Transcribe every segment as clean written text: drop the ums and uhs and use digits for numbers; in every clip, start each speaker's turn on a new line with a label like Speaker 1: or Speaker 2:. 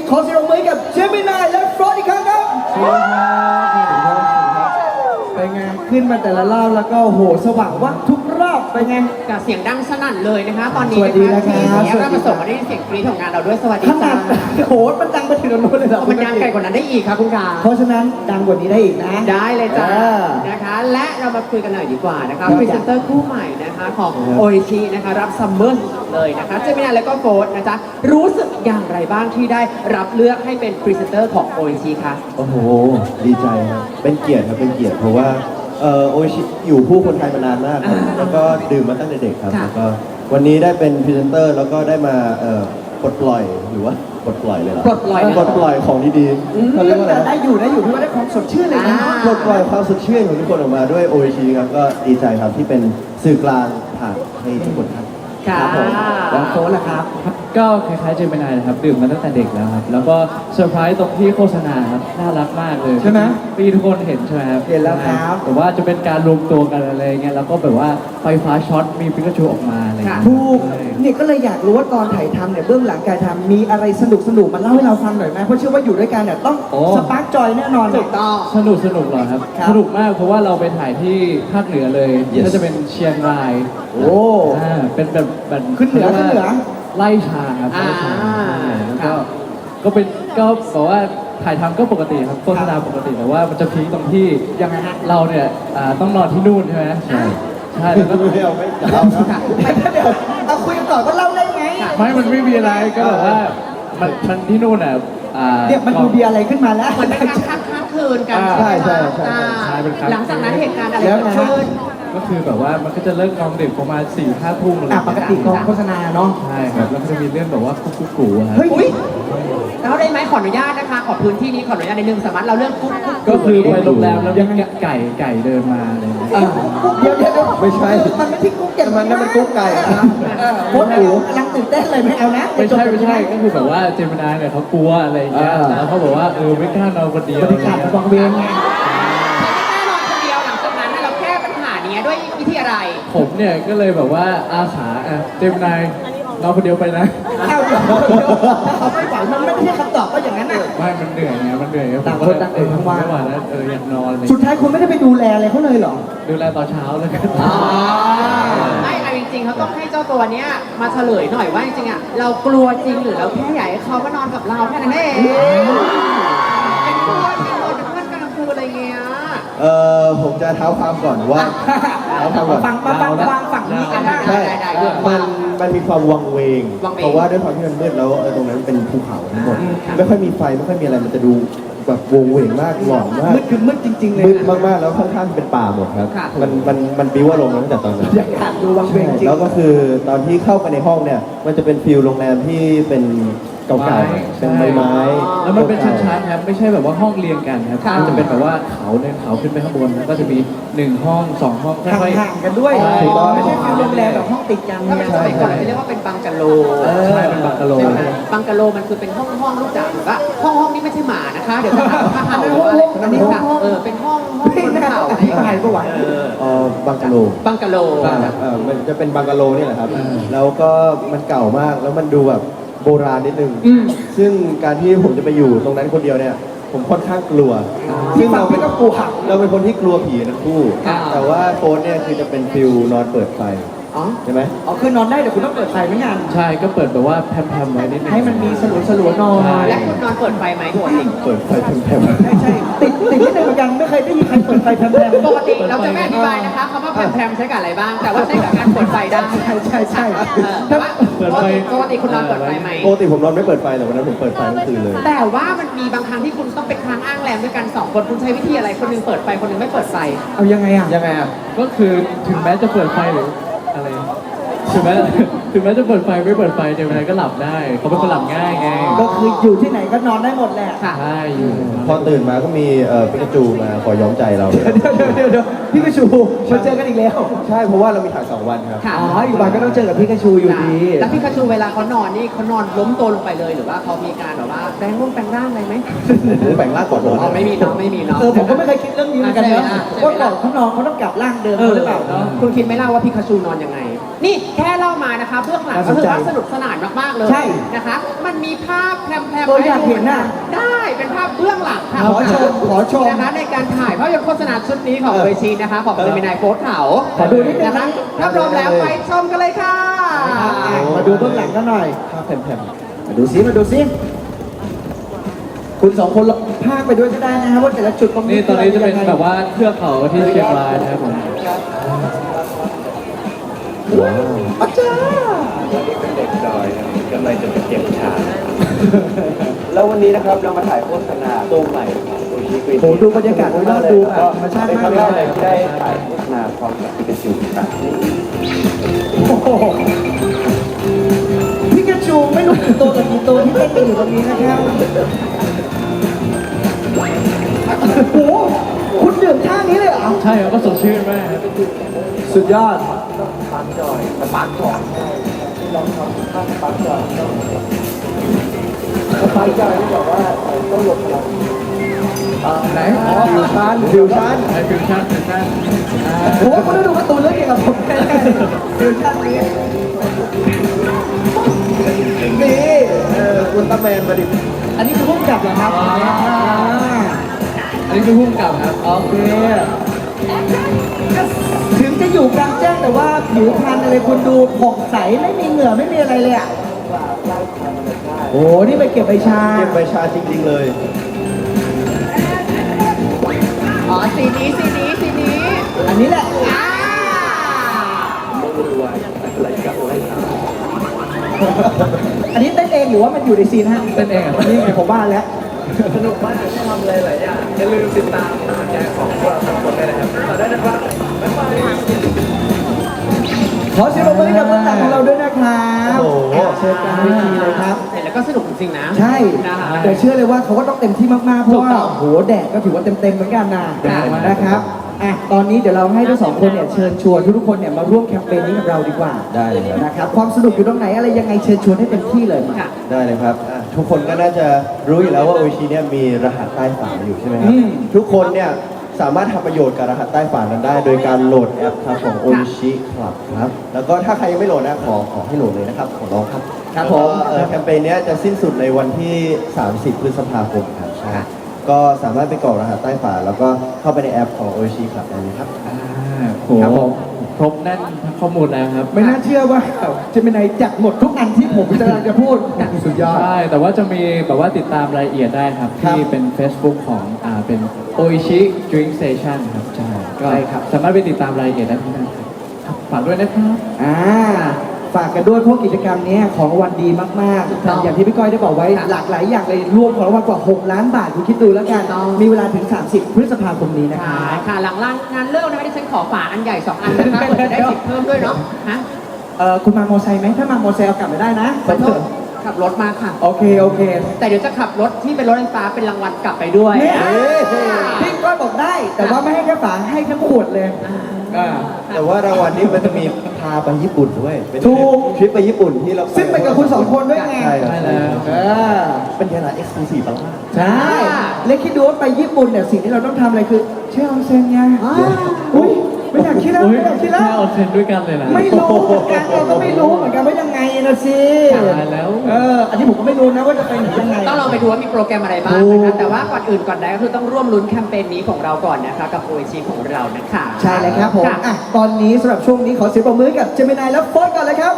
Speaker 1: ขอเสียงปรบมือให้กับเจมินายและฟรอดอีกครั้งครับเป็นไงขึ้นมาแต่ละรอบแล้วก็โหสว่างวับทุกรอบเป็นไง
Speaker 2: กับเสียงดังสนั่นเลยนะคะตอนนี้
Speaker 1: สวัสดี
Speaker 2: นะคะ
Speaker 1: นะครับ
Speaker 2: ที่เรามาส่งมาได้เสียงกรี๊ดของงานเราด้วยสวัสดี
Speaker 1: ขนา
Speaker 2: จ้า
Speaker 1: ดโหมันดังไปถึงโน้นเลยเหรอ
Speaker 2: มันดังไกลกว่านั้นได้อีกค่ะคุณกา
Speaker 1: เพราะฉะนั้นดังกว่านี้ได้อีกนะ
Speaker 2: ได้เลยจ้า
Speaker 1: อ่า
Speaker 2: นะคะ และเรามาคุยกันหน่อยดีกว่านะคะ
Speaker 1: ครับ
Speaker 2: พรีเซนเตอร์คู่ใหม่นะคะของโอชินะคะรับซัมเมอร์เลยนะคะเจมินาและก็โฟร์นะจ๊ะรู้สึกอย่างไรบ้างที่ได้รับเลือกให้เป็นพรีเซนเตอร์ของโอชิคะ
Speaker 3: โอ้โห ดีใจครับ เป็นเกียรติครับ เป็นเกียรติเพราะว่าโอชิอยู่คู่คนไทยมานานมากครับ แล้วก็ดื่มมาตั้งแต่เด็กครับ แล้วก็วันนี้ได้เป็นพรีเซนเตอร์แล้วก็ได้มาปลดปล่อยหรือว่าปลดปล่อยเลยเหรอ
Speaker 2: ปลดปล่อย
Speaker 3: ปลดปล่อยของดีๆเขาเรียกว่าอะไร
Speaker 1: ได้อยู่พี่ว่าได้ความสดชื่นเลยนะ
Speaker 3: ปลดปล่อยความสดชื่นของทุกคนออกมาด้วยโอชิครับ ก็ดีใจครับที่เป็นสื่อกลางผ่านให้ทุกคนครับ
Speaker 2: ค่ะ
Speaker 1: ครับผมแล้วโค้ชล่ะครับ
Speaker 4: ครับก็คล้ายๆเจมินายนะครับดื่มมาตั้งแต่เด็กแล้วครับแล้วก็เซอร์ไพรส์ตรงที่โฆษณาครับน่ารักมากเลย
Speaker 1: ใช่ไหม
Speaker 4: พี่ทุกคนเห็นใช่ไหมครับ
Speaker 1: เห็นแล้วครับ
Speaker 4: แต่ว่าจะเป็นการรวมตัวกันอะไรเงี้ยแล้วก็แบบว่าไฟฟ้าช็อตมีปิกาจูออกมาอะไรเงี้ย
Speaker 1: ถูกเนี่ยก็เลยอยากรู้ว่าตอนถ่ายทำเนี่ยเบื้องหลังการทำมีอะไรสนุกมาเล่าให้เราฟังหน่อยไหมเพราะเชื่อว่าอยู่ด้วยกันเนี่ยต้องสปาร์กจอยแน่นอน
Speaker 2: ถูกต้อง
Speaker 4: สนุกเหรอครับ
Speaker 1: ครับ
Speaker 4: สนุกมากเพราะว่าเราไปถ่ายที่ภาคเหนือเลย
Speaker 3: Yes
Speaker 4: ก็จะเป็นเชียงราย
Speaker 1: โอ้
Speaker 4: เป็นแบบ
Speaker 1: ขึ้นเหนือ
Speaker 4: ขารียกว่า
Speaker 1: ขึ้นเหนือ
Speaker 4: ไล่ชาครับไล่ชา แล้วก็เป็นก็บอกว่าถ่ายทำก็ปกติครับโฆษณาปกติแต่ว่ามันจะพีคตรงที่
Speaker 1: ยังไงฮะ
Speaker 4: เราเนี่ยต้องนอนที่นู่นใช่ไหมใช่แล้วก็
Speaker 3: ไม่เอาไม่จะเล่าครับ
Speaker 1: เดี๋ยวเอาคุยกันต่อก็เล่าได้ไง
Speaker 4: มันไม่มีอะไรก็แบบว่ามันที่นู่นอ่ะ
Speaker 1: เนี่ยมันดูมีอะไรขึ้นมาแล้ว
Speaker 2: มันเป็นการค้างคืนกัน
Speaker 3: ใช่ใช่
Speaker 2: อ่า
Speaker 4: ใช่เป็นค้างคืน
Speaker 2: หลังจากนั้นเหตุการณ์อะไร
Speaker 1: แล้ว
Speaker 2: เกิด
Speaker 1: นะ
Speaker 2: ขึ้น
Speaker 4: ก็คือแบบว่ามันก็จะเลิกกองดึกประมาณ4-5 ทุ่มอะไร
Speaker 1: ปกติกองโฆษณาเนาะ
Speaker 4: ใช่ครับแล้วก็จะมีเรื่องแบบว่ากุ๊กกูครับ
Speaker 1: เฮ้ย
Speaker 2: อุ้ยเราได้ไหมขออนุญาตนะคะ ขอพื้นที่นี้ขออนุญาตในหนึ่งสามารถเราเรื่องกุ๊ก
Speaker 4: ก็คือไปโรงแรมแล้วมีไก่เดินมาอะไรอย่างเงี้ย
Speaker 1: เดี๋ยว
Speaker 3: ไม่ใช่
Speaker 1: มันไม่ใช่กุ๊กอย่าง
Speaker 3: มันนั่นมันกุ๊กไก่นะ
Speaker 1: โค้ชอู๋กำลังตื่นเต้นเลยไม่เอานะ
Speaker 4: ไม่ใช่ก็คือแบบว่าเจมินายเนี่ยเขากลัวอะไรอย่างเงี้ยแล้วเขาบอกว่าไม่กล้านอนคนเดียว
Speaker 1: บรรยากาศมันวังเวงไง
Speaker 2: แน่นอนคนเดียวหลังจากนั้นเราแก้ปัญหานี้ด้วยวิธีอะไร
Speaker 4: ผมเนี่ยก็เลยแบบว่าอาสาเจมินายนอนคนเดียวไปนะ
Speaker 1: เอาเดี๋ยวเขาไม่ฝันมันไม่ใช่คำตอบก็อย่างนั้นอ่ะ
Speaker 4: ไม่มันเหนื่อยไงมันเหนื่อย
Speaker 1: ต่างคนต่างตื่นทั้งวัน
Speaker 4: ไม่ไหวแล้วอยากนอนเลย
Speaker 1: สุดท้ายคุณไม่ได้ไปดูแลอะไรเขาเลยเหรอ
Speaker 4: ดูแลตอนเช้าเลย
Speaker 2: ไม่เอาจริงๆเขาต้องให้เจ้าตัวเนี้ยมาเฉลยหน่อยว่าจริงๆอ่ะเรากลัวจริงหรือเราแค่อยากให้เขามานอนกับเราแค่นั้นเองเป็นเพื่อนเป็นคนเป็นเพื่อนกันกลางคืนอะไรเงี้ย
Speaker 3: ผมจะเท้าความก่อนว่าเท้าความก่อน
Speaker 1: ฟังฝั่งนี้กันได้
Speaker 3: ใช่
Speaker 2: ได้
Speaker 3: มันมีความวังเวง
Speaker 2: วังเวง
Speaker 3: เพราะว่าด้วยความที่มันมืดแล้วตรงนั้นเป็นภูเขาทั้งหมด
Speaker 2: ครับ
Speaker 3: ไม่ค่อยมีไฟไม่ค่อยมีอะไรมันจะดูแบบวงเวงมากหลอนมาก
Speaker 1: มืดคือมืดจริงๆเลย
Speaker 3: มืดมากๆแล้วข้างๆเป็นป่าหมดครับ
Speaker 2: ค่ะ
Speaker 3: มันบิ้วอารมณ์มาตั้งแต่ตอนนั้น
Speaker 1: อยากดูวังเวงจริง
Speaker 3: แล้วก็คือตอนที่เข้าไปในห้องเนี่ย มันจะเป็นฟิลโรงแรมที่เป็นเก่าๆเป็นไม้ๆ
Speaker 4: แล้วมันเป็นชั้นๆครับไม่ใช่แบบว่าห้องเรียงกันครับ
Speaker 2: ค่ะ
Speaker 4: มันจะเป็นแบบว่าเขาเดินเขาขึ้นไปข้างบนแล้วก็จะมี1 ห้อง 2 ห้องค่อยๆ
Speaker 1: ห่างๆกันด้วย
Speaker 4: ใช่
Speaker 1: ไม่ใช่ฟิลโรงแรมแบบห้องติดกัน
Speaker 2: ถ้าเป็นสมัยก่อนจะเรียกว่าเป็นบังกะโล
Speaker 4: ใช่เป็นบังกะโล
Speaker 2: ใช่ไหมบังกะโลมันคือเป็นห้องลูกจ๋าหรือว่าห้องนี้ไม่ใช่หมานะคะ เดี๋ยวจะหาว่าเห่าหรือว่าอะไรอันนี้ค่ะเป็นห้องบนเขาอะไรอย่าง
Speaker 1: หา
Speaker 2: เงี้
Speaker 1: ย
Speaker 2: ย
Speaker 1: ประวัติ
Speaker 3: บังกะโล
Speaker 2: บังกะโล
Speaker 3: มันจะเป็นบังกะโลเนี่ยแหละครับ แล้วก็มันเก่ามาก แล้วมันดูแบบโบราณนิดนึง ซึ่งการที่ผมจะไปอยู่ตรงนั้นคนเดียวเนี่ย ผมค่อนข้างกลัว ซึ่งเราเป็นคนที่กลัวผีทั้งคู่ แต่ว่าโฟนเนี่ยคือจะเป็นฟิลนอนเปิดไฟ
Speaker 1: อ๋อ
Speaker 3: ใช่ไหม
Speaker 1: อ๋อคือนอนได้แต่คุณต้องเปิดไฟไม่งาน
Speaker 4: ใช่ก็เปิดแบบว่าแพรมๆไว้นิดนึง
Speaker 1: ให้มันมีสลัวๆนอน
Speaker 2: และคุณนอนเปิดไฟไหมปกติ
Speaker 3: เปิดไฟแผ่ว
Speaker 1: ใช่ติดนิดนึงเหมือนกันไม่เคยได้ยินใครเปิดไฟแพรมๆ
Speaker 2: ปกติเราจะไม่อธิบายนะคะคำว่าแพรมๆใช้กับอะไรบ้าง แต่ว่าใช้กับการเปิดไฟได้
Speaker 1: ใช่
Speaker 2: แต่ว่าปกติคุณนอนเปิดไฟไหม
Speaker 3: ๆปกติผมนอนไม่เปิดไฟแต่วันนั้นผมเปิดไฟทั้งคืนเลย
Speaker 2: แต่ว่ามันมีบางครั้งที่คุณต้องเป็นค้างอ้างแรมด้วยกัน2 คนคุณใช้วิธีอะไรคนหนึงเปิดไฟคนหนึงไม่เปิดไฟ
Speaker 1: เอายังไงอ่ะ
Speaker 3: ยังไงอ่ะ
Speaker 4: ก็คือถึงแม้จะเปิดไฟหรืออะไรถึงแม้จะเปิดไฟไม่เปิดไฟเจมินายก็หลับได้เขาเป็นคนหลับง่ายไง
Speaker 1: ก็คืออยู่ที่ไหนก็นอนได้หมดแหละ
Speaker 2: ค่ะ
Speaker 4: ใช่อยู่
Speaker 3: พอตื่นมาก็มีปิกาจูมาขอย้อมใจเรา
Speaker 1: เดี๋ยวพี่กระชูมาเจอกันอีกแล้ว
Speaker 3: ใช่เพราะว่าเรามีถ่าย2 วันครับ
Speaker 2: ค่ะ
Speaker 1: อ๋ออยู่บ้านก็ต้องเจอกับพี่กระชูอยู่ดี
Speaker 2: แล้วพี่คาชูเวลาเขานอนนี่เขานอนล้มตัวลงไปเลยหรือว่าเขามีการแบบว่าแปลงร่างอะไรไหม
Speaker 3: แบ่งร่างก่อนนอน
Speaker 2: อ๋อไม่มีเนาะไม่มีเนาะ
Speaker 1: ผมก็ไม่เคยคิดเรื่องนี้เหมือนกันเนาะว่าก่อนเขานอนเขาต้องกลับร่างเดิมหรือเปล่าเนาะ
Speaker 2: คุณคิดไหม่เล่าว่าพี่คาชูนอนยังไง นี่แค่เล่ามานะนะคะเบื้องหลัง
Speaker 1: น่าส
Speaker 2: ก็
Speaker 1: น
Speaker 2: ถื
Speaker 1: ใจ
Speaker 2: อว่าสนุกสนานมากๆเลย
Speaker 1: ใช่
Speaker 2: นะคะ มันมีภาพแพรมๆ
Speaker 1: อยากเห็นน่ะ
Speaker 2: ได้เป็นภาพเบื้องหลังค่ะ
Speaker 1: ขอชมขอชม
Speaker 2: นะคะในการถ่ายภาพยนตร์โฆษณาชุดนี้ของเวทีนะคะของเจมินายโฟร์เขา
Speaker 1: ขอดูนิดนึง
Speaker 2: นะคะ
Speaker 1: นะ
Speaker 2: ถ้าพร้อมแล้วไปชมกันเลยค่ะ
Speaker 1: มาดูเบื้องหลังกันหน่อย
Speaker 3: ภาพแผ่น
Speaker 1: มาดูซิมาดูซิคุณสองคนลองพากไปด้วยก็ได้นะครับว่าแต่ละจุดตรงนี้
Speaker 4: นี่ตอนนี้จะเป็น
Speaker 1: ยังไง
Speaker 4: แบบว่าเทือกเขาที่เชียงรายนะครับผม
Speaker 1: อาจารย์
Speaker 3: เด็กดอยกำลังจะไปเก็บชาแล้ววันนี้นะครับเรามาถ่ายโฆษณาตัวใหม่ของโอชิกรีน
Speaker 1: โหดูบรรยากาศโดยรอบดูแบบธรรมชาติมากเลย
Speaker 3: ได้ถ่ายโฆษณาพร้อมกับพิกาจูครับ
Speaker 1: โอ้โหพิกาจูไม่รู้กี่ตัวกับกี่ตัวที่เต้นกันอยู่ตรงนี้นะครับโอ้โหคุณดื่มท่านี้เลยเหรอ
Speaker 4: ใช่ครับก็สดชื่นมากครับ
Speaker 1: สุดยอด
Speaker 3: ปาร์คจอยสปาร์คจอยลองทำท่าสปาร์คจอยสปาร์คจอยที่บอกว่าต้องหลบพลัง
Speaker 1: ไหนอ๋อฟิวชั่นฟิวชั่น
Speaker 4: ไอฟิวชั่นฟิวชั่น
Speaker 1: โอ้โหคุณได้ดูการ์ตูนเรื่องเกี่ยวกับผมแน่ๆฟิวชั่นนี้นี่
Speaker 3: อุลตร้าแมนมาดิ
Speaker 1: อันนี้คือพุ่งกลับเหรอครับ
Speaker 4: อันนี้คือพุ่งกลับครับ
Speaker 1: โอเค ถึงจะอยู่กลางแจ้งแต่ว่าผิวพรรณอะไรคุณดูผ่องใสไม่มีเหงื่อไม่มีอะไรเลยอ่ะ โอ้โหนี่ไปเก็บใบชา
Speaker 3: เก็บใบชาจริงๆเลย
Speaker 2: อ๋อสีนี้สีนี้สีนี้
Speaker 1: อันนี้แหละ
Speaker 2: อ่า
Speaker 1: อันนี้เต้นเองหรือว่ามันอยู่ในซีนฮะ
Speaker 4: เต้นเองอะ
Speaker 1: นี่ไงผมว่าแล้ว
Speaker 3: สนุกมากที่ทำอะไรหลายอย่างอย่าลืมติดตามผลงานของพวกเราสองคนได้นะครับต่อได้นะครับบ๊ายบาย
Speaker 1: ขอเสียงปรบมือให้กับเบื้องหลังของเราด้วยนะครับ
Speaker 3: โอ้โห
Speaker 1: เชิญกลางเวทีเลยครับ
Speaker 2: เห็นแล้วก็สนุกจริงๆนะ
Speaker 1: ใช่
Speaker 2: นะคะ
Speaker 1: แต่เชื่อเลยว่าเขาก็ต้องเต็มที่มากๆ เพราะว่า
Speaker 2: ถูกต้อง
Speaker 1: โอ้โหแดดก็ถือว่าเต็มๆเหมือนกันนะ
Speaker 2: ใช่
Speaker 1: นะครับอ่ะตอนนี้เดี๋ยวเราให้ทั้งสองคนเนี่ยเชิญชวนทุกๆคนเนี่ยมาร่วมแคมเปญนี้กับเราดีกว่า
Speaker 3: ได้เลยครับ
Speaker 1: นะครับความสนุกอยู่ตรงไหนอะไรยังไงเชิญชวนให้เต็มที่เลย
Speaker 2: ค่ะ
Speaker 3: ได้เลยครับทุกคนก็น่าจะรู้อยู่แล้วว่าโอชิเนี่ยมีรหัสใต้ฝาอยู่ใช่ไหมครับ
Speaker 1: อืม
Speaker 3: ทุกคนเนี่ยสามารถทำประโยชน์กับรหัสใต้ฝานั้นได้ โดยการโหลดแอปครับของโอชิคลับครับแล้วก็ถ้าใครยังไม่โหลดนะขอให้โหลดเลยนะครับขอร้องครับ
Speaker 1: ครับผม
Speaker 3: แล้วก็แคมเปญเนี้ยจะสิ้นสุดในวันที่ 30 พฤษภาคมครับใช่ก็สามารถไปกรอกรหัสใต้ฝาแล้วก็เข้าไปในแอปของโอชิคลับได้เลยครับ
Speaker 4: โหครบแน่นทั้งข้อมูลแล้วครับ
Speaker 1: ไม่น่าเชื่อว่าจะเป็นไหนจัดหมดทุกอันที่ผมกำลังจะพูดสุดยอด
Speaker 4: ใช่ แต่ว่าจะมีแบบว่าติดตามรายละเอียดได้ครับ
Speaker 1: ครับ
Speaker 4: ที่เป็น Facebook ของเป็น Oishi Drink Station ครับใช่ก็
Speaker 1: ใช่ครับ
Speaker 4: สามารถไปติดตามรายละเอียดได้ที่นั่นครับฝากด้วยนะครับ
Speaker 1: ฝากกันด้วยเพราะกิจกรรมนี้ของรางวัลดีมาก
Speaker 2: ถูกต้อง
Speaker 1: ๆ อย่างที่พี่ก้อยได้บอกไว้
Speaker 2: ค่ะ
Speaker 1: หลากหลายอย่างเลยรวมของรางวัลกว่า 6 ล้านบาทคุณคิดดูแล้วกัน
Speaker 2: ถูกต้อง
Speaker 1: มีเวลาถึง 30 พฤษภาคมนี้นะค
Speaker 2: ค่ะ
Speaker 1: รับ
Speaker 2: ค่ะหลังงานเลิกนะคะที่ฉันขอฝาอันใหญ่ 2 อันนะคะเผื่อจะได้สิทธิ์เพิ่มด้วยเนาะฮะ
Speaker 1: คุณมาโมอไซค์ไหมถ้ามาโมอไซค์เอากลับมาได้นะ
Speaker 2: ขอโทษขับรถมาค่ะ
Speaker 1: โอเค โอเค
Speaker 2: แต่เดี๋ยวจะขับรถที่เป็นรถไฟฟ้าเป็นรางวัลกลับไปด้วย
Speaker 1: เนี่ย
Speaker 2: อ่า
Speaker 1: พี่ก้อยบอกได้ แต่ว่าไม่ให้แค่ฝาให้ทั้งขวดเลยอ่า
Speaker 3: แต่ว่ารางวัลนี้มันจะมีพาไปญี่ปุ่นด้วยเป็น
Speaker 1: ถูก
Speaker 3: ทริปไปญี่ปุ่นที่เรา
Speaker 1: ซึ่งไปกับคุณสองคนด้วยไง
Speaker 3: ใช่ครับ
Speaker 4: ใช่แล้ว
Speaker 1: เออ
Speaker 3: เป็นยานาเอ็กซ์คลูซีฟมาก
Speaker 1: ใช่ เล็กคิดดูว่าไปญี่ปุ่นเนี่ยสิ่งที่เราต้องทำอะไรคือเชื่อออนเซ็นไง
Speaker 2: อ่า
Speaker 1: อุ้ยไม่อยากคิดแล้วไม่อยากคิดแล้ว
Speaker 4: แค่เอาเทรนด้วยกันเลยนะ
Speaker 1: ไม่รู้เหมือนกันเราก็ไม่รู้เหมือนกันว่ายังไงนะสิ
Speaker 4: ตายแล้ว
Speaker 1: อันนี้ผมก็ไม่รู้นะว่าจะเป็นยังไง
Speaker 2: ต้องลองไปดูว่ามีโปรแกรมอะไรบ้าง
Speaker 1: ถู
Speaker 2: นะคะ
Speaker 1: ก
Speaker 2: แต่ว่าก่อนอื่นก่อนใดก็คือต้องร่วมลุ้นแคมเปญนี้ของเราก่อนนะคะกับโอชีของเรานะคะ
Speaker 1: ใช่เลยครับผม
Speaker 2: ค่ะ
Speaker 1: อ่ะตอนนี้สำหรับช่วงนี้ขอเสียงปรบมือให้กับเจมินายและโฟร์ก่อนเลยครับ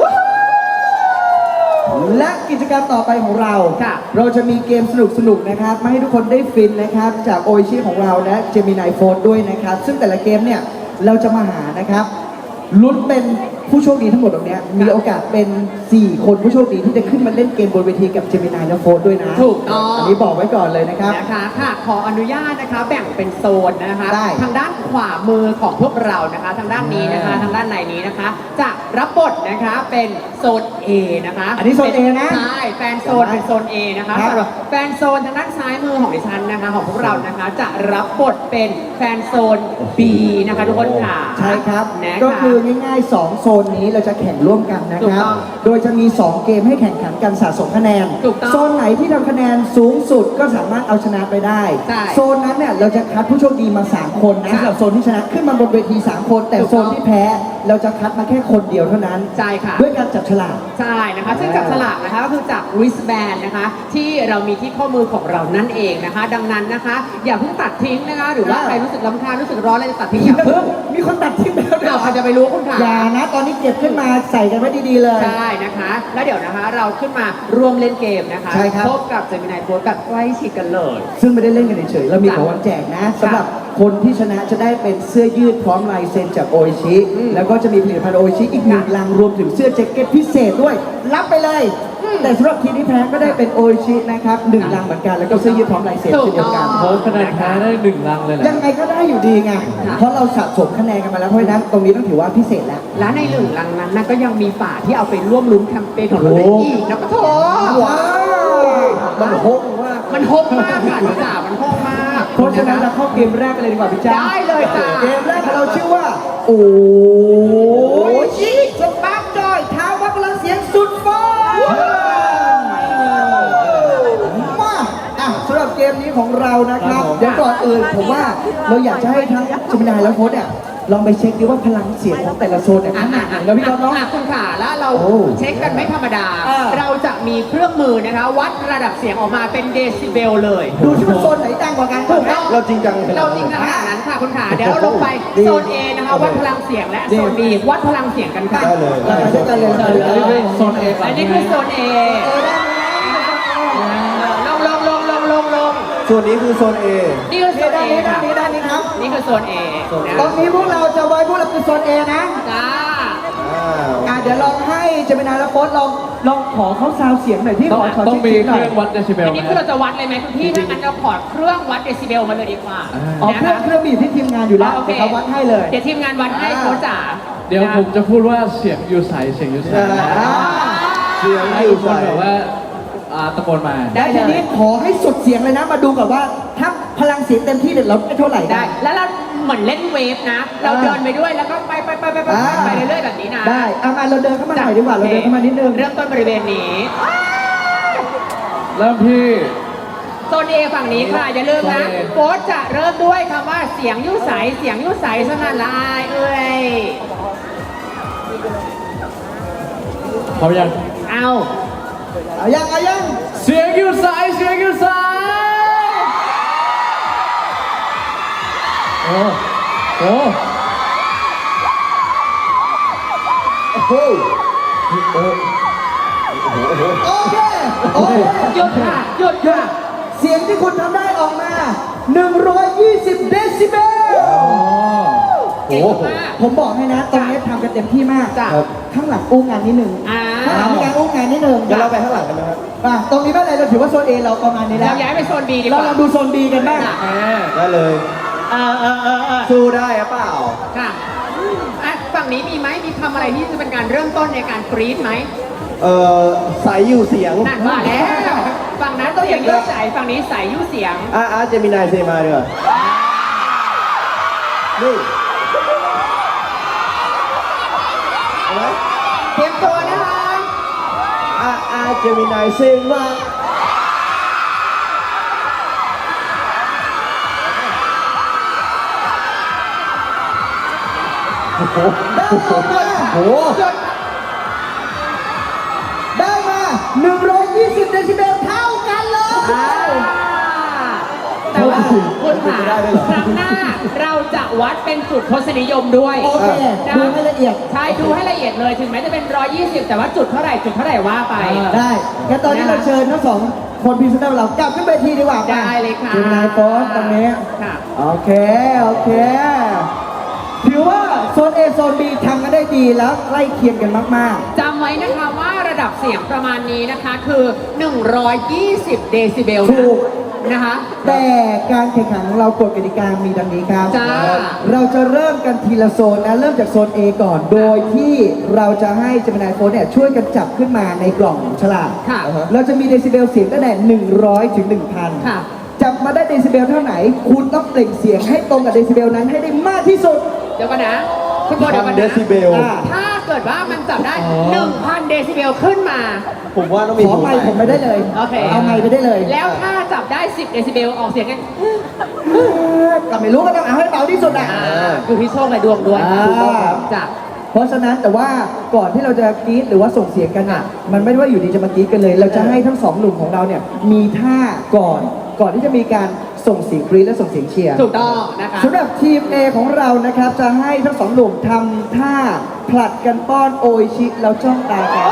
Speaker 1: และกิจกรรมต่อไปของเรา
Speaker 2: ค่ะ
Speaker 1: เราจะมีเกมสนุกๆนะครับมาให้ทุกคนได้ฟินนะครับจากโอชิของเราและเจมินายโฟร์ด้วยนะครับ ซึ่งแต่ละเกมเนี่ยเราจะมาหานะครับลุ้นเป็นผู้โชคดีทั้งหมดตรงเนี้ยมีโอกาสเป็น 4 คนผู้โชคดีที่จะขึ้นมาเล่นเกมบนเวทีกับเจมินายและโฟร์ด้วยนะ
Speaker 2: ถูกต้อง
Speaker 1: อันนี้บอกไว้ก่อนเลยนะครับ
Speaker 2: นะคะค่ะขออนุญาตนะคะแบ่งเป็นโซนนะคะ
Speaker 1: ได้
Speaker 2: ทางด้านขวามือของพวกเรานะคะ ทางด้านนี้นะคะ ทางด้านในนี้นะคะ จะรับบทนะคะเป็นโซน A นะคะ
Speaker 1: อันนี้โซน A นะ
Speaker 2: ใช่แฟนโซนเป็นโซน A นะคะ
Speaker 1: ครับ
Speaker 2: สำหรับแฟนโซนทางด้านซ้ายมือของดิฉันนะคะของพวกเรานะคะ จะรับบทเป็นแฟนโซน B นะคะทุกคนค่ะ
Speaker 1: ใช่ครับ
Speaker 2: นะคะ
Speaker 1: ก็คือง่ายๆ 2 โซนนี้เราจะแข่งร่วมกันนะ
Speaker 2: ถู
Speaker 1: ค
Speaker 2: ก
Speaker 1: รับ
Speaker 2: ต้อง
Speaker 1: โดยจะมี 2 เกมให้แข่งขันกันสะสมคะแนน
Speaker 2: ถูกต้อง
Speaker 1: โซนไหนที่ทำคะแนนสูงสุดก็สามารถเอาชนะไปได้
Speaker 2: ใช่
Speaker 1: โซนนั้นเนี่ยเราจะคัดผู้โชคดีมา 3 คนนะ
Speaker 2: ค่ะ
Speaker 1: สำหรับโซนที่ชนะขึ้นมาบนเวที 3 คน แต่
Speaker 2: ถูก
Speaker 1: โซ
Speaker 2: ต้อง
Speaker 1: นที่แพ้เราจะคัดมาแค่คนเดียวเท่านั้น
Speaker 2: ใช่ค่ะ
Speaker 1: ด้วยการจับฉลาก
Speaker 2: ใช่นะคะซึ่งจับฉลากนะคะก็คือจาก wristband นะคะที่เรามีที่ข้อมือของเรานั่นเองนะคะ ดังนั้นนะคะ อย่าเพิ่งตัดทิ้งนะคะ หรือว่าใครรู้สึกรำคาญรู้สึกร้อนอะไรจะตัดทิ้งอย่าเพิ่ง
Speaker 1: มีคนตัดทิ้งไปแล้วด้วย
Speaker 2: เราใครจะไปรู้คุณค่ะ
Speaker 1: อย่านะ ตอนนี้เก็บขึ้นมาใส่กันไว้ดีๆเลย
Speaker 2: ใช่นะคะ แล้วเดี๋ยวนะคะเราขึ้นมาร่วมเล่นเกมนะคะ
Speaker 1: ใช่ครับ
Speaker 2: พบกับเจมินายโพสแบบใกล้ชิดกันเลย
Speaker 1: ซึ่งไม่ได้เล่นกันเฉยๆเรามีของรางวัลแจกนะสำหรับคนที่ชนะจะได้เป็นเสื้อยืดพร้อมลายเซ็นจากโออิชิ
Speaker 2: อืม
Speaker 1: แล้วก็จะมีผลิตภัณฑ์โออิชิอีกหนึ่งลังรวมถึงเสื้อแจ็คเก็ตพิเศษด้วย รับไปเลย แต่สำหรับทีมที่แพ้ก็ได้เป็นโออิชินะครับหนึ่งลังเหมือนกันแล้วก็เสื้อยืดพร้อมลายเซ็นเช่นเดียวกัน
Speaker 4: โค้ชคะแนนแพ้ได้1 ลังเลยแหละ
Speaker 1: ยังไงก็ได้อยู่ดีไง เพราะเราสะสมคะแนนกันมาแล้วเพราะฉะนั้นตรงนี้ต้องถือว่าพิเศษแล้ว
Speaker 2: และในหนึ่งลังนั้นนะก็ยังมีฝาที่เอาไปร่วมลุ้นแคมเปญของเราได้อีกนะปะโถ
Speaker 1: ว้าวมันโหดมาก
Speaker 2: มันโฮกมากค่ะหนูจ๋ามันโฮกมาก
Speaker 1: เพราะฉะนั้นเราเข้าเกมแรกกันเลยดีกว่าพี่จ้า
Speaker 2: ได้เลยจ้า
Speaker 1: เกมแรกของเราชื่อว่า โอ้ชิสปาร์กจอยท้าวัดพลังเสียงสุดฟ้ามาสำหรับเกมนี้ของเรานะครับ เดี๋ยวก่อนอื่นผมว่าเราอยากจะให้ทั้งจิมินายและโค้ชเนี่ยลองไปเช็คดูว่าพลังเสียงของแต่ละโซนเนี่ยขนาดไหนแล้วพี่ก๊อฟเนาะ
Speaker 2: คุณขาแล้วเรา
Speaker 1: โอ้
Speaker 2: เช็คกันไม่ธรรมดา
Speaker 1: อ่า
Speaker 2: เราจะมีเครื่องมือนะคะ วัดระดับเสียงออกมาเป็นเดซิเบลเลย
Speaker 1: ดูที่ว่าโซนไหนดังกว่ากัน
Speaker 2: ถูกต้อง
Speaker 3: เราจริงจังขนาดนั้น
Speaker 2: เราจริงจังขนาดนั้นค่ะคุณขาเดี๋ยวเราลงไป
Speaker 1: ดี
Speaker 2: โซน A นะคะวัดพลังเสียงและโซน B วัดพลังเสียงกันค่ะ
Speaker 3: ได้เลย
Speaker 1: เราไปด้วยกันเลยเราไปด้วยกันเลย
Speaker 4: โซน A ก่อน
Speaker 2: อันนี้คือโซน A ลง
Speaker 3: ส่วนนี้คือโซน A
Speaker 2: นี่คือโซน
Speaker 1: ด้า
Speaker 2: A
Speaker 1: นนี้ด้า
Speaker 2: ค่ะ
Speaker 1: นนี้ด้านนี้ครับ
Speaker 2: นี่คือโซน A นะ
Speaker 1: ตรงนี้พวกเราจะไว้พวกเราคือโซน A นะ
Speaker 2: จ้า
Speaker 1: เดี๋ยวลองให้เจมินาและโป๊ตลองขอเขาซาวเสียงหน่อยที่
Speaker 4: ต้อง
Speaker 1: ขอ
Speaker 4: ต้องมี
Speaker 1: ช็ค
Speaker 4: เค
Speaker 1: หน่
Speaker 4: รื่องวัดเดซิเบล
Speaker 2: อัน
Speaker 4: ไหม
Speaker 2: นี้คือเราจะวัดเลยไหมคุณพี่ถ้างั้นเราขอเครื่องวัดเดซิเบลมาเลยดีกว่า
Speaker 1: อ๋อ
Speaker 2: นะ
Speaker 1: เครื่อ
Speaker 2: คะ
Speaker 1: งเครื่องมีอยู่ที่ทีมงานอยู่แล้ว
Speaker 2: โอเค
Speaker 1: เดี๋ยวเขาวัดให้เลย
Speaker 2: เดี๋ยวทีมงานวัดให้โค้ชจ๋า
Speaker 4: เดี๋ยวผมจะพูดว่าเสียงอยู่ใสเสียงอยู่ใส
Speaker 1: อ่า
Speaker 3: เสียง
Speaker 4: ให้
Speaker 3: อ
Speaker 4: ทุ
Speaker 3: ยู่
Speaker 4: กคน
Speaker 3: ใส่
Speaker 4: แบบว่าตะโกนมา
Speaker 1: ได้ทีนี้ขอให้สุดเสียงเลยนะมาดูกับว่าถ้าพลังเสียงเต็มที่เดี๋ยวเราได้เท่าไหร่
Speaker 2: ได้ แล้วเราเหมือนเล่นเวฟนะ เราเดินไปด้วยแล้วก็ไปเรื่อยๆแบบนี้นะ
Speaker 1: ได้เอามาเราเดินเข้ามาหน่อยดีกว่าเราเดินเข้ามานิดนึง
Speaker 2: เริ่มต้นบริเวณนี้
Speaker 4: เริ่มที่
Speaker 2: โซน A ฝั่งนี้ค่ะ อย่าลืมนะ
Speaker 4: โซน A
Speaker 2: โค้ชจะเริ่มด้วยคำว่าเสียงยุ่ใสเสียงยุ่ใสสนั่นละอายเอ้ย
Speaker 4: พร้อมยัง
Speaker 2: เอา
Speaker 1: เอายัง
Speaker 4: เสียงอยู่ใสเสียงอยู่ใสโอ้โห
Speaker 1: โอ้โหโอเคโอเค
Speaker 2: หยุดค่ะหยุดค่ะ
Speaker 1: เสียงที่คุณทำได้ออกมา 120 เดซิเบล
Speaker 2: เก่งมาก
Speaker 1: ผมบอกให้นะตรงนี้ทำกันเต็มที่มาก
Speaker 2: จ้ะ
Speaker 1: ข้างหลังอู้งานนิดนึง
Speaker 2: อ่า
Speaker 1: ข้างหลังมีการอู้งานนิดนึง
Speaker 3: เดี๋ยวเราไปข้างหลังกันนะครับ
Speaker 1: ตรงนี้ไม่เป็นไรเราถือว่าโซน A เราประมาณนี้แล้
Speaker 2: เรา
Speaker 1: ว
Speaker 2: ย้ายไปโซน B ดีก
Speaker 1: เรา
Speaker 2: ว่า
Speaker 1: ลองดูโซน B กันบ้าง
Speaker 2: จ้ะ
Speaker 3: ได้เลย สู้ได้หรือเปล่า
Speaker 2: ค่ะอ่ะฝั่งนี้มีไหมมีคำอะไรที่จะเป็นการเริ่มต้นในการกรี๊ดไหม
Speaker 3: ใสอยู่เสียง
Speaker 2: นั่นว่าแล้วฝั่งนั้นเสียงยุ่ใสฝั่งนี้ใสยุ่เสียง
Speaker 3: เจมินายเซมาดีกว่านี่เอาไหม
Speaker 2: เตรียมตัวนะคะ
Speaker 3: เจมินายเซมาโอ้โห
Speaker 1: ได้ออกมา
Speaker 3: โอ้โห
Speaker 1: ได้มา 120 เดซิเบลเท่ากันเลย
Speaker 2: แต่ว่าคุณขา
Speaker 3: ไม่ได้ด้วยเหรอ
Speaker 2: ครั้งหน้าเราจะวัดเป็นจุดทศนิยมด้วย
Speaker 1: โอเคดูให้ละเอียด
Speaker 2: ใช่ดูให้ละเอียดเลยถึงแม้จะเป็น 120 แต่ว่าจุดเท่าไหร่ว่าไป
Speaker 1: ได้งั้นตอนนี้เราเชิญทั้งสองคนพรีเซนเตอร์เรากลับขึ้นเวทีดีกว่า
Speaker 2: ได้เลยค่ะ
Speaker 1: เจมินายโฟสตรงนี้
Speaker 2: ค่ะ
Speaker 1: โอเคถือว่าโซน A โซน B ทำกันได้ดีแล้วใกล้เคียงกันมาก
Speaker 2: จำไว้นะคะว่าระดับเสียงประมาณนี้นะคะคือ 120 เดซิเบล
Speaker 1: ถูก
Speaker 2: นะคะ
Speaker 1: ๆ แต่การแข่งขันของเรากฎกติกามีดังนี้ครับ
Speaker 2: จ้า
Speaker 1: เราจะเริ่มกันทีละโซนนะ เริ่มจากโซน A ก่อน โดยที่เราจะให้เจมินายโฟนเนี่ยช่วยกันจับขึ้นมาในกล่องฉลาก
Speaker 2: ค่ะ
Speaker 1: เราจะมีเดซิเบลเสียงตั้งแต่100 ถึง 1,000
Speaker 2: ค่ะ
Speaker 1: จับมาได้เดซิเบลเท่าไหน คุณต้องเปล่งเสียงให้ตรงกับเดซิเบลนั้นให้ได้มากที่สุด
Speaker 2: เดี๋ยวกันนะ คุณโบเดี๋ยวกัน
Speaker 3: 1,000 เด
Speaker 2: นะ
Speaker 3: ซิเบล
Speaker 2: ถ้าเกิดว่ามันจับได้ 1,000 เดซิเบลขึ้นมา
Speaker 3: ผมว่าต้องมี
Speaker 1: ขอไมค์ผมไปได้เลย
Speaker 2: โอเค
Speaker 1: เอาไมค์ไปได้เลย
Speaker 2: แล้วถ้าจับได้ 10 เดซิเบลออกเสียงไง
Speaker 1: ก็ไม่รู้ก็ต้องเอาให้เบาที่สุดอ่ะ
Speaker 2: อยู่ที่โชคและดวงด้วย
Speaker 1: อ่า
Speaker 2: จ้ะ
Speaker 1: เพราะฉะนั้นแต่ว่าก่อนที่เราจะกรี๊ดหรือว่าส่งเสียงกันอ่ะมันไม่ได้ว่าอยู่ดีจะมากรี๊ดกันเลย เราจะให้ทั้งสองหนุ่มของเราเนี่ยมีท่าก่อนที่จะมีการส่งเสียงกรี๊ดและส่งเสียงเชียร์
Speaker 2: ถูกต้องนะคะ
Speaker 1: สำหรับทีม A ของเรานะครับจะให้ทั้งสองหนุ่มทำท่าผลัดกันป้อนโออิชิแล้วจ้องตากัน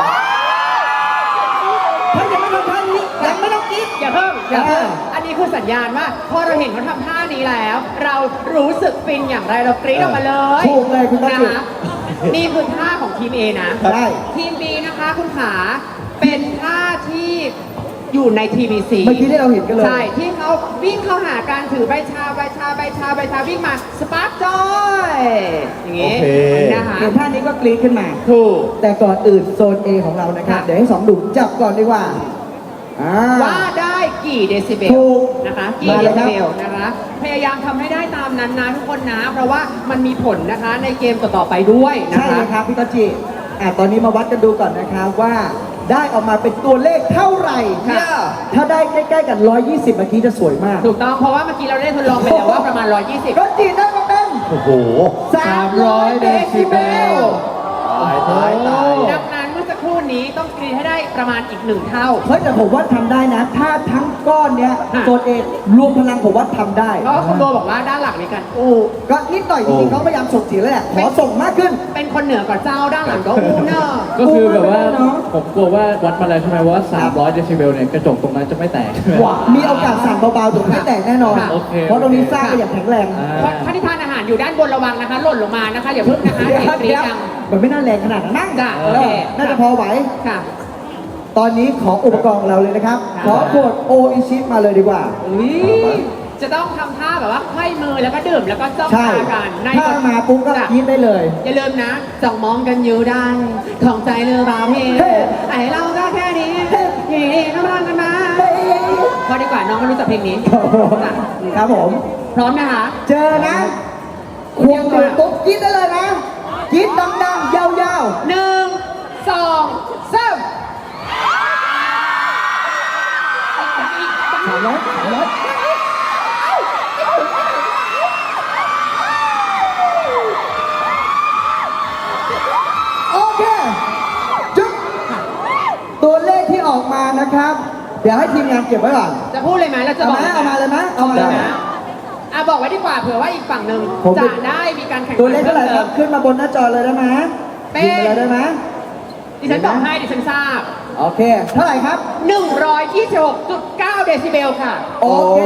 Speaker 1: ถ้ายังไม่ทำท่านี้ยังไม่ต้องกรี๊ด
Speaker 2: อย่าเพิ่มอันนี้คือสัญญาณว่าพอเราเห็นเขาทำท่านี้แล้ว เรารู้สึกฟินอย่างไรเรากรี๊ดออกมาเลย
Speaker 1: ถูกเลยคุณต้น
Speaker 2: นะ
Speaker 1: จิต
Speaker 2: คะนี่คือท่าของทีม A นะ
Speaker 1: ได้
Speaker 2: ทีม B นะคะคุณขาเป็นท่าที่อยู่ใน TVC
Speaker 1: เมื่อกี้ที่เราเห็นกันเลย
Speaker 2: ใช่ที่เขาวิ่งเข้าหาการถือใบชาวิ่งมาสปาร์คจอยอย่างงี้
Speaker 3: โอเค
Speaker 2: นะคะ
Speaker 1: เห็นท่านี้ก็กรี๊ดขึ้นมา
Speaker 2: ถูก
Speaker 1: แต่ก่อนอื่นโซน A ของเรานะครับ
Speaker 2: ค่ะ
Speaker 1: เดี๋ยวให้สองหนุ่มจับก่อนดีกว่าอ่า
Speaker 2: ว่าได้กี่เดซิเบล
Speaker 1: ถูก
Speaker 2: นะคะกี่
Speaker 1: มา
Speaker 2: เด
Speaker 1: เลยครั
Speaker 2: ซิ
Speaker 1: บ
Speaker 2: เบลนะคะพยายามทำให้ได้ตามนั้นนะทุกคนนะ เพราะว่ามันมีผลนะคะในเกมต่อๆไปด้วยนะ
Speaker 1: ใช่
Speaker 2: คะ
Speaker 1: เลยครับพี่ต้นจิตอนนี้มาวัดกันดูก่อนนะครับว่าได้ออกมาเป็นตัวเลขเท่าไหร่
Speaker 2: ค่ะ
Speaker 1: ถ้าได้ใกล้ๆกัน 120 เมื่อกี้จะสวยมาก
Speaker 2: ถูกต้องเพราะว่าเมื่อกี้เราได้ทดลองไปแล้วว่าประมาณ 120
Speaker 1: ต้นจิได้มาเป็น
Speaker 3: โอ้โห
Speaker 1: 300 เดซิเบล
Speaker 3: ตายตายตาย
Speaker 2: ดังนั้นเมื่อสักครู่นี้ต้องกรีดให้ได้ประมาณอีก1เท่า
Speaker 1: เฮ้ยแต่ผมว่าทำได้นะ ถ้าทั้งก้อนเนี้ย
Speaker 2: ค่ะ
Speaker 1: โซน A รวมพลังผมว่าทำได้
Speaker 2: เพราะว่าคุณโบบอกว่าด้านหลังมีการอู้
Speaker 1: ก็นิดหน่อยจริงๆเขาพยายามส่งเสียงแล้วแหละขอส่งมากขึ้น
Speaker 2: เป็นคนเหนือกว่าเจ้าด้านหลังก็อู้เนอะ
Speaker 4: ก็คือแบบว่า
Speaker 1: เนอะ
Speaker 4: ผมกลัวว่าวัดมาแล้วใช่ไหมว่า 300 เดซิเบลเนี่ยกระจกตรงนั้นจะไม่แตก
Speaker 1: มีโอกาสสั่งเบาๆถึงไม่แตกแน่นอน
Speaker 2: ค่ะ
Speaker 4: โอเค
Speaker 1: เพราะตรงนี้สร้างไปอย่างแข็งแรง
Speaker 4: อ่า
Speaker 2: เพราะท่านที่ทานอาหารอยู่ด้านบนระวังนะคะ หล่นลงมานะคะอย่าเพิ่งนะคะ
Speaker 1: เดี๋ยว
Speaker 2: อย่ากรีด
Speaker 1: เดี๋ยว
Speaker 2: ดัง
Speaker 1: มันไม่น่าแรงขนาดนั้นมั้ง
Speaker 2: จ้ะโอเค
Speaker 1: น่าจะพอไหว
Speaker 2: ค่ะ
Speaker 1: ตอนนี้ขออุปกรณ์ของเราเลยนะครับ
Speaker 2: ค่ะ
Speaker 1: ขอขวดโออิชิมาเลยดีกว่า
Speaker 2: อุ๊ยจะต้องทำท่าแบบว่าไขว้มือแล้วก็ดื่มแล้วก็จ้อง
Speaker 1: ใช่
Speaker 2: ตากันใน
Speaker 1: ถ้ามาปุ๊บก็
Speaker 2: จ้ะ
Speaker 1: กินได้เลย
Speaker 2: อย่าลืมนะจ้องมองกันอยู่ได้ของใจเรือราวเพ
Speaker 1: เฮ้
Speaker 2: ไอเราก็แค่นี้ยีน้ำรังกันมา
Speaker 1: เฮ้ย
Speaker 2: พอดีกว่าน้องก็รู้จักเพลงนี้จ้ะ
Speaker 1: ครับผม
Speaker 2: พร้อมนะคะ
Speaker 1: เจอนะควงดื่มปุ๊บกินได้เลยนะกินดังๆยาว
Speaker 2: 1 2 3
Speaker 1: ๆ300โอเคจุ๊บตัวเลขที่ออกมานะครับ เดี๋ยวให้ทีมงานเก็บไว้ก่อน
Speaker 2: จะพูดเลยไหมเราจะ
Speaker 1: เอา
Speaker 2: บอก
Speaker 1: มาเอามาเลยไหมเอามา
Speaker 2: เล
Speaker 1: เลย ย
Speaker 2: นะอ่ะบอกไว้ดีกว่าเผื่อว่าอีกฝั่งหนึ่ง
Speaker 1: ผม
Speaker 2: จะได้มีการแข่งขัน
Speaker 1: ตัวเลขเท่าไหร่ครับ
Speaker 2: พิ่ม
Speaker 1: ขึ้นมาบนหน้าจอเลยได้ไหม
Speaker 2: เป็น
Speaker 1: ยิงไปเลยได้ไหม
Speaker 2: ดิฉันบอกให้ดิฉันทราบ
Speaker 1: โอเค เท่าไหร่ครับ
Speaker 2: 126.9 เดซิเบลค่ะ
Speaker 1: โอเค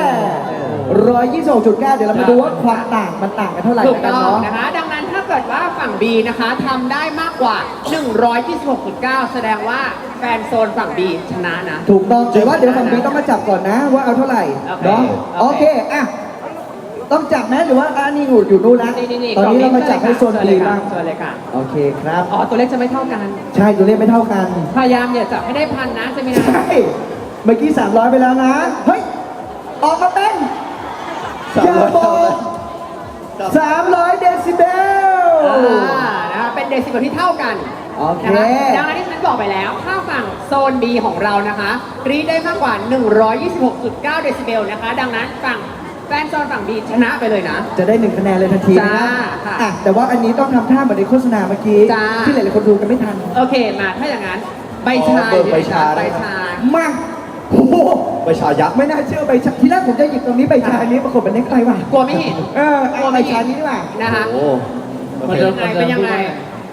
Speaker 1: 126.9 เดี๋ยวเรามาดูว่าความต่างมันต่างกันเท่าไหร่
Speaker 2: ถูก
Speaker 1: กัน
Speaker 2: ต้อง
Speaker 1: เนาะ
Speaker 2: นะคะ ดังนั้นถ้าเกิดว่าฝั่ง B นะคะทำได้มากกว่า 126.9 แสดงว่าแฟนโซนฝั่ง B ชนะนะ
Speaker 1: ถูกต้องแต่ว่าเดี๋ยวฝั่งนี้ต้องมาจับก่อนนะว่าเอาเท่าไหร่
Speaker 2: โอเค
Speaker 1: เนาะ
Speaker 2: โอ
Speaker 1: โอ
Speaker 2: เค
Speaker 1: เคอ่ะต้องจับไหมหรือว่าอันนี้อยู่นู่นแล้ว
Speaker 2: นี่
Speaker 1: ตอนนี้เรามาจับให้โซน
Speaker 2: เชิญ
Speaker 1: ดี
Speaker 2: เลยค่ะ
Speaker 1: บ้าง
Speaker 2: เชิญเลยค่ะ
Speaker 1: โอเคครับ
Speaker 2: อ๋อ ตัวเลขจะไม่เท่ากัน
Speaker 1: ใช่ตัวเลขไม่เท่ากัน
Speaker 2: พยายามอย่าจับให้ได้พันนะจะมีนะ
Speaker 1: ใช่เมื่อกี้ 300 ไปแล้วนะ เฮ้ย ออกมาเป็นอย่าบอก300 เดซิเบล
Speaker 2: นะคะเป็นเดซิเบลที่เท่ากัน
Speaker 1: โอเค
Speaker 2: นะคะดังนั้นที่ฉันบอกไปแล้ว ถ้าฝั่งโซน B ของเรานะคะกรีดได้มากกว่า 126.9 เดซิเบลนะคะ ดังนั้นฝั่งแฟนโซนฝั่ง B ชนะไปเลยนะ
Speaker 1: จะได้1คะแนนเลยทันทีนะ
Speaker 2: จ้าค่ะ
Speaker 1: อ่ะแต่ว่าอันนี้ต้องทำท่าเหมือนในโฆษณาเมื่อกี้
Speaker 2: จ้า
Speaker 1: ที่หลายๆคนดูกันไม่ทัน
Speaker 2: โอเค มาถ้าอย่างนั้น ใบชา
Speaker 3: เบิกใบชา
Speaker 2: ใบ
Speaker 3: ได้ครับ
Speaker 2: ชา
Speaker 1: มาโอ้โห
Speaker 3: ไปชายักษ์
Speaker 1: ไม่น่าเชื่อใบชาทีแรกผมจะหยิบตรงนี้ใบชานี้ปรากฏเป็นเน็กไทว่ะ
Speaker 2: กลัวไม่เห็น
Speaker 1: เอาใบชานี้ดีกว่า
Speaker 2: นะคะ
Speaker 3: โอ้
Speaker 4: มันจะ
Speaker 2: เป็นยังไง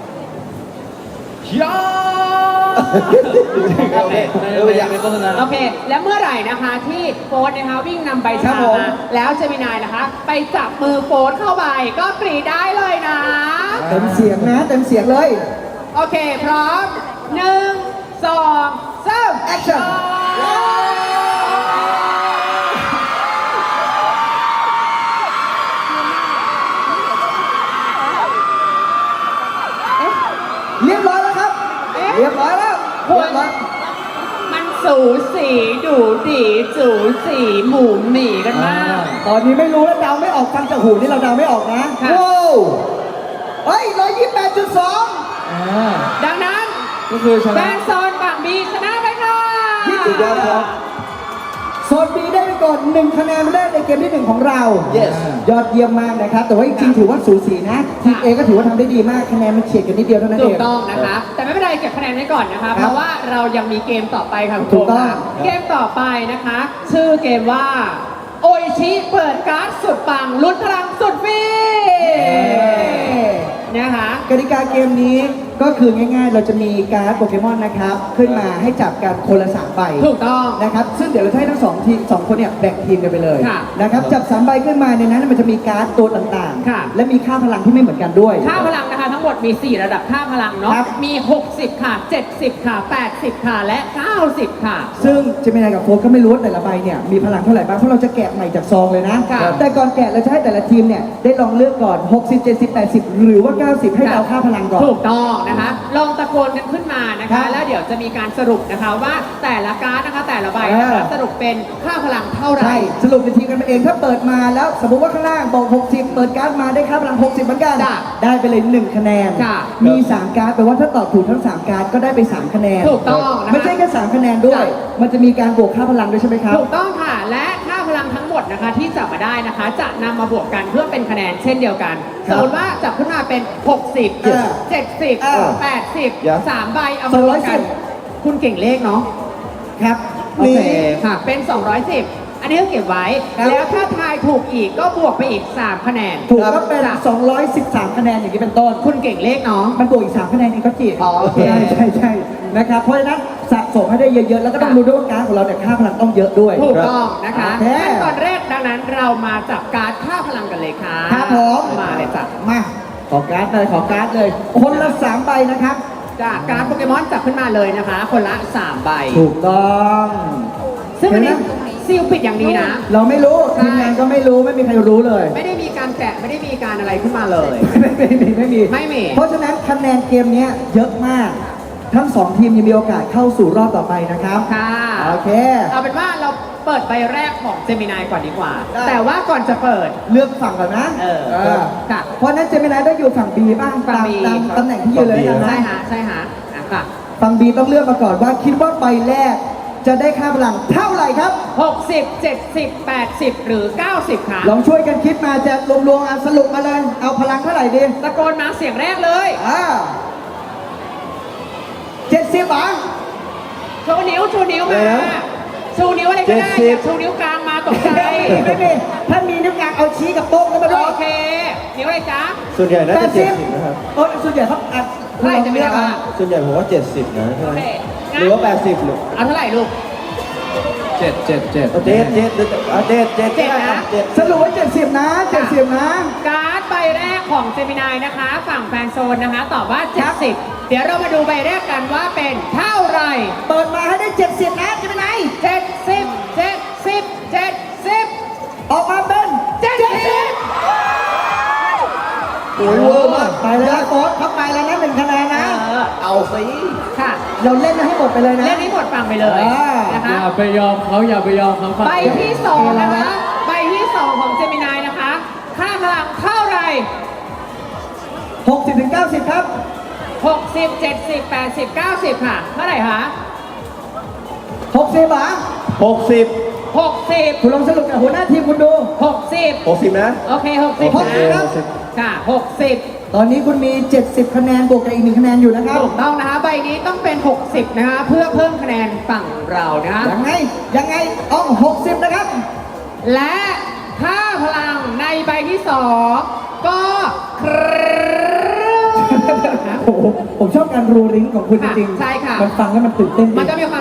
Speaker 4: ยา
Speaker 3: โอเค
Speaker 4: ในโฆษณา
Speaker 2: โอเค แล้วเมื่อไหร่นะคะที่โฟร์นะคะวิ่งนำใบ
Speaker 1: ครั
Speaker 2: ชา
Speaker 1: บผม
Speaker 2: มาแล้วเจมินายนะคะ ไปจับมือโฟร์เข้าไปก็กรีดได้เลยนะ
Speaker 1: เต็มเสียงนะเต็มเสียงเลย
Speaker 2: โอเค พร้อม 1 2 3
Speaker 1: Action เรียบร้อยแล้วครับ เรียบร้อยแล้ว
Speaker 2: คุณ
Speaker 1: เรียบร้อย
Speaker 2: มันสูสีดูดีจูสีหมูหมี่กันมาก
Speaker 1: ตอนนี้ไม่รู้แล้วเดาไม่ออกฟังจากหูนี่เราเดาไม่ออกนะ
Speaker 2: ค่ะ
Speaker 1: ว้าวเฮ้ย128.2
Speaker 2: ดังนั้น
Speaker 4: ก็คือช
Speaker 2: แฟ
Speaker 4: นะ
Speaker 2: นโซนฝั่งบีชนะไปค่ะ
Speaker 3: สุดยอดครับ
Speaker 1: โซน B ได้ไปก่อน1คะแนนแรกในเกมที่ 1 ของเรา
Speaker 3: Yes
Speaker 1: ยอดเยี่ยมมากนะครับ แต่ว่าจริงๆถือว่าสูสีนะ ทีม A ก็ถือว่าทำได้ดีมาก คะแนนมันเฉียดกันนิดเดียวเท่านั้น
Speaker 2: ถู
Speaker 1: เอก ง
Speaker 2: ต้องนะคะ แต่ไม่เป็นไรเก็บคะแนนไว้ก่อนนะคะ
Speaker 1: ครับ
Speaker 2: เพราะว่าเรายังมีเกมต่อไปค่ะคุณ
Speaker 1: ถู
Speaker 2: โก
Speaker 1: กต้อง
Speaker 2: ค่ะเกมต่อไปนะคะ ชื่อเกมว่า โออิชิเปิดการ์ดสุดปังลุ้นพลังสุดฟรีนะคะ
Speaker 1: กติกาเกมนี้ก็คือง่ายๆ เราจะมีการ์ดโปเกมอนนะครับ ขึ้นมาให้จับกันคนละ3ใบ
Speaker 2: ถูกต้อง
Speaker 1: นะครับ ซึ่งเดี๋ยวเราจะให้ทั้งสองคนเนี่ยแบ่งทีมกันไปเลย
Speaker 2: ค่ะ
Speaker 1: นะครับ จับ3ใบขึ้นมาในนั้นมันจะมีการ์ดตัวต่าง
Speaker 2: ค่ะ
Speaker 1: ๆ และมีค่าพลังที่ไม่เหมือนกันด้วย
Speaker 2: ค่าพลังนะคะทั้งหมดมี 4 ระดับค่าพลังเนาะ
Speaker 1: ครับ
Speaker 2: มี 60 ค่ะ 70 ค่ะ 80 ค่ะ และ 90 ค่ะ
Speaker 1: ซึ่งเจมินายกับโฟกก็ไม่รู้ว่าแต่ละใบเนี่ยมีพลังเท่าไหร่บ้างเพราะเราจะแกะใหม่จากซองเลยนะ
Speaker 2: ค่ะ
Speaker 1: แต่ก่อนแกะเราจะให้แต่ละทีมเนี่ยได้ลองเลือกก่อน 60 70 80 หรือว่า 90 ให้เดาค่าพลังก่อน
Speaker 2: ถูกต้องนะคะ ลองตะโกนกันขึ้นมานะ
Speaker 1: ครั
Speaker 2: คะ
Speaker 1: บ
Speaker 2: แล้วเดี๋ยวจะมีการสรุปนะคะว่าแต่ละการ์ดนะคะแต่ละใบนะคะสรุปเป็นค่าพลังเท่าไหร่
Speaker 1: ใช่สรุปเป็นทีมกันมาเองถ้าเปิดมาแล้วสมมติว่าข้างล่างบอก 60 เปิดการ์ดมาได้ค่าพลัง 60 เหมือนกัน
Speaker 2: จ้ะ
Speaker 1: ได้ไปเลย1คะแนน
Speaker 2: ค่ะ
Speaker 1: มี 3 การ์ดแปลว่าถ้าตอบถูกทั้ง 3 การ์ดก็ได้ไป 3 คะแนน
Speaker 2: ถูกต้องนะคะ
Speaker 1: ไม่ใช่แค่3คะแนนด้วย
Speaker 2: จ้ะ
Speaker 1: มันจะมีการบวกค่าพลังด้วยใช่ไหมครับ
Speaker 2: ถูกต้องค่ะ และค่าพลังทั้งหมดนะคะที่จับมาได้นะคะ จะนำมาบวกกันเพื่อเป็นคะแนนเช่นเดียวกัน
Speaker 1: ครั
Speaker 2: ส
Speaker 1: บ
Speaker 2: มมติว่าจับขึ้นมาเป็น 60
Speaker 1: Yes
Speaker 2: 70 80
Speaker 3: Yes
Speaker 2: 3 ใบเอามารวมกัน
Speaker 1: 210
Speaker 2: คุณเก่งเลขเนาะ
Speaker 1: ครับ
Speaker 2: โอเค
Speaker 1: นี่
Speaker 2: ค่ะ เป็น 210 อันนี้ก็เก็บไว้
Speaker 1: ครับ
Speaker 2: แล้วถ้าทายถูกอีกก็บวกไปอีก 3 คะแนน
Speaker 1: ถูกก็เป็น
Speaker 2: จ้ะ
Speaker 1: 213 คะแนนอย่างนี้เป็นต้น
Speaker 2: คุณเก่งเลขเนาะ
Speaker 1: มันบวกอีก 3 คะแนนเองก็จี
Speaker 2: อ๋อโอเค
Speaker 1: ใช่นะครับ เพราะฉะนั้นสะสมให้ได้เยอะๆ แล้วก็ต้องรู้ด้วยว่าการดของเราเนี่ยค่าพลังต้องเยอะด้วย
Speaker 2: ถูกต้องนะคะ
Speaker 1: โอเค
Speaker 2: ขั้นตอนแรกดังนั้นเรามาจับการ์ดค่าพลังกันเลยค่ะ
Speaker 1: ครับผม
Speaker 2: มาเลยจ้ะ
Speaker 1: มาขอการ์ดเลยขอการ์ดเลย คนละ3ใบนะครับ
Speaker 2: จากการ์ดโปเกมอนจับขึ้นมาเลยนะคะ คนละ 3 ใบ
Speaker 1: ถูกต้อง
Speaker 2: ซึ่งอันนี้
Speaker 1: เห็นไหม
Speaker 2: ซีลปิดอย่างนี้นะ
Speaker 1: เราไม่รู้
Speaker 2: ใช่
Speaker 1: ทีมงานก็ไม่รู้ไม่มีใครรู้เลย
Speaker 2: ไม่ได้มีการแกะไม่ได้มีการอะไรขึ้นมาเลย
Speaker 1: ไม่มี
Speaker 2: ไม่มี
Speaker 1: เพราะฉะนั้นคะแนนเกมเนี้ยเยอะมาก ทั้ง 2 ทีมยังมีโอกาสเข้าสู่รอบต่อไปนะครับ
Speaker 2: ค่ะ
Speaker 1: โอเค
Speaker 2: เอาเป็นว่าเราเปิดใบแรกของเจมินายก่อนดีกว่า
Speaker 1: ได้
Speaker 2: แต่ว่าก่อนจะเปิด
Speaker 1: เลือกฝั่งก่อนนะ
Speaker 2: เออค่ะ
Speaker 1: เพราะฉะนั้นเจมินายต้องอยู่ฝั่ง B บ้าง
Speaker 2: ฝั่ง
Speaker 1: ตาม
Speaker 2: B
Speaker 1: ตามตำแหน่งที่ยืนเลยนะ
Speaker 2: ใช่ฮะใช่ฮะอ่ะค่ะ
Speaker 1: ฝั่ง B ต้องเลือกมาก่อนว่าคิดว่าใบแรกจะได้ค่าพลังเท่าไหร่ครับ
Speaker 2: 60 70 80 หรือ 90 ค่ะ
Speaker 1: ลองช่วยกันคิดมาจะรวมๆสรุปมาเลยเอาพลังเท่าไหร่ดี
Speaker 2: ตะโกนมาเสียงแรกเลย
Speaker 1: 70อ่ะ
Speaker 2: ชูนิ้วชูนิ้วมา
Speaker 3: อะไรนะ
Speaker 2: ชูนิ้วอะไรก็ได้
Speaker 3: 70
Speaker 2: อย่าชูนิ้วกลางมาตกใจ
Speaker 1: ไม่มีถ้ามีนิ้วกลางเอาชี้กับโต๊ะกันมาด้วย
Speaker 2: โอเค นิ้วอะไรจ๊ะ
Speaker 3: ส่วนใหญ่น่าจะ70
Speaker 1: 80
Speaker 3: นะครับ
Speaker 1: ส่วนใหญ่เขาอัด
Speaker 2: เท่าไหร่จะไม่ได้ว่า
Speaker 3: ส่วนใหญ่ผมว่า 70 นะใช่ไหม
Speaker 2: โอเค
Speaker 3: หรือว่า 80หรือ
Speaker 2: เอาเท่าไหร่ลูก
Speaker 4: เจ็ด
Speaker 3: เอาเจ็ดเอาเจ็ด
Speaker 2: เจ็ดนะ
Speaker 3: เจ็ด
Speaker 1: สรุปว่า70นะ70นะ
Speaker 2: การ์ดใบแรกของเจมินายนะคะ ฝั่งแฟนโซนนะคะ ตอบว่า 70 เดี๋ยวเรามาดูใบแรกกันว่าเป็นเท่าไหร่
Speaker 1: เปิดมาให้ได้70นะจะเป็นไง
Speaker 2: 70 70 70
Speaker 1: ออกมาเป็น
Speaker 3: โอ้ยเวอร์มาก
Speaker 1: ไปแล้วโค้ชเขาไปแล้วนะ1 คะแนนนะ
Speaker 3: เอาสิ
Speaker 2: ค่ะ
Speaker 1: เราเล่นให้หมดไปเลยนะ
Speaker 2: เล่นนี้หมดฟังไปเลย
Speaker 1: อ่า
Speaker 2: นะคะ
Speaker 4: อย่าไปยอมเขาอย่าไปยอมเขาฝั่ง
Speaker 2: ใบที่สองนะคะ ใบที่สองของเจมินายนะคะ ค่าพลังเท่าไหร่
Speaker 1: 60ถึง90 ครับ
Speaker 2: 60 70 80 90 ค่ะ เท่าไหร่คะ
Speaker 1: 60เหรอ
Speaker 3: 60
Speaker 2: 60
Speaker 1: คุณลองสรุปกับหัวหน้าทีมคุณดู
Speaker 2: 60
Speaker 3: 60นะ
Speaker 2: โอเค 60
Speaker 1: โอเค
Speaker 2: นะ
Speaker 1: ครับ
Speaker 2: ค่ะ 60
Speaker 1: ตอนนี้คุณมี 70 คะแนนบวกกับอีก1 คะแนนอยู่นะครับ
Speaker 2: ถูกต้องนะคะ ใบนี้ต้องเป็น 60 นะคะ เพื่อเพิ่มคะแนนฝั่งเรานะคะ
Speaker 1: ยังไงต้อง60 นะครับ
Speaker 2: และค่าพลังในใบที่สองก็คร
Speaker 1: โอ้โหผมชอบการรูริงของคุณจริงๆ
Speaker 2: ใช่ค่ะ
Speaker 1: มันฟังแล้วมันตื่นเต้นดี
Speaker 2: มันจะมีความ